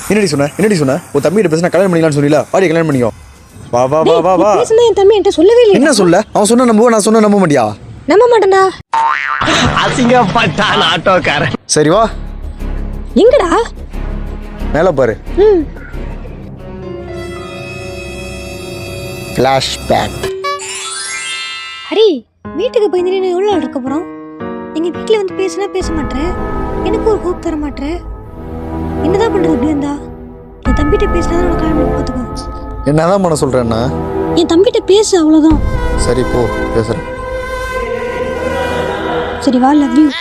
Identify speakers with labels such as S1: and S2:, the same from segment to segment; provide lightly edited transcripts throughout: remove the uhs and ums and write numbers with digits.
S1: என்னடி சொன்ன உன் தம்பிகிட்ட பேசினா கல்யாணம் பண்ணிக்கலாம்னு சொன்னீல, வாடி கல்யாணம் பண்ணிக்கோ. வா வா வா வா வா.
S2: பேசுனா என் தம்பி என்கிட்ட சொல்லவே இல்லை.
S1: என்ன சொல்ல? அவன் சொன்ன நம்புவ, நான் சொன்ன நம்ப மாட்டியா?
S2: நம்ப மாட்டேன்டா.
S3: அசிங்கப்பட்டான் ஆட்டோக்காரன்.
S1: சரி வா.
S2: எங்கடா?
S1: மேல பாரு. ஃபிளாஷ்பேக்.
S2: ஹரி, வீட்டுக்கு போய் நீ எவ்வளோ நாள் இருக்க போகிறோம்? எங்கள் வீட்டில் வந்து பேசினா பேச மாட்டேன், எனக்கு ஒரு ஹோப் தர மாட்டேன். என்னதான் பண்ணுறது இப்படி இருந்தா? என் தம்பிகிட்ட பேசினா தான் உனக்கு கல்யாணம் பார்த்துக்கோ.
S1: என்னதான் பண்ண சொல்கிறேன்னா?
S2: என் தம்பிகிட்ட பேசு, அவ்வளோதான்.
S1: சரி போ, பேசுகிறேன்.
S2: சரி வா, லவ் யூ.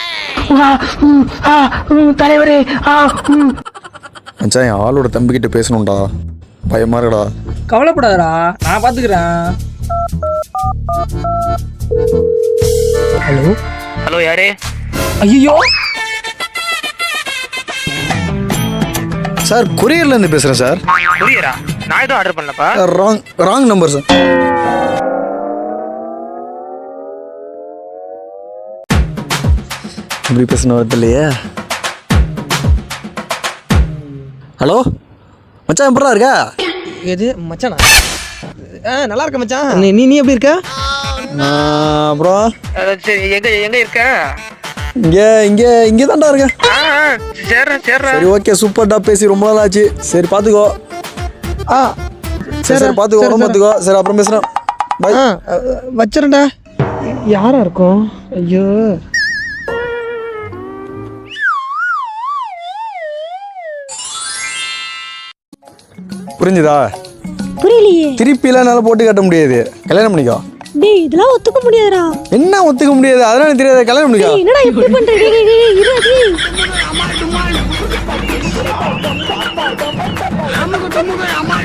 S3: தலைவரே.
S1: மச்சான், என் ஆளோட தம்பிக்கிட்ட பேசணும்டா, பயமா இருக்கடா.
S4: கவலைப்படாதடா, நான் பாத்துக்கிறேன். ஹலோ
S3: ஹலோ, யாரு?
S4: ஐயோ
S1: சார், கொரியர்லேருந்து பேசுகிறேன் சார்.
S3: புரியரா? நான் எதுவும் ஆர்டர் பண்ணலப்பா.
S1: Wrong number sir. இப்படி பேசணும் வருது இல்லையே. ஹலோ மச்சான், எப்படா இருக்கா?
S4: எது மச்சானா? நல்லா இருக்க மச்சான். நீ எப்படி இருக்க?
S1: அப்புறம்
S3: சரி, எங்க இருக்க?
S1: இங்கே தான்டா இருக்கேன்.
S3: சேர்றேன்.
S1: சரி ஓகே, சூப்பர்டா, பேசி ரொம்ப நாள் ஆச்சு. சரி பார்த்துக்கோ. சரி பார்த்துக்கோ, உடம்பு பார்த்துக்கோ. சரி அப்புறம் பேசுகிறேன். பாய்.
S4: வச்சிரண்டா. யாரா இருக்கும்? ஐயோ,
S1: புரிஞ்சுதா?
S2: புரியலையே.
S1: திருப்பிலாம் என்னால் போட்டு காட்ட முடியாது. கல்யாணம் பண்ணிக்கோ.
S2: டேய், இதெல்லாம் ஒத்துக்க முடியாதுடா.
S1: என்ன ஒத்துக்க முடியாது? அதெல்லாம் எனக்கு தெரியாது. கல்யாணம் பண்ணிக்கோ.
S2: என்னடா இப்படி பண்ற? டேய் இரு.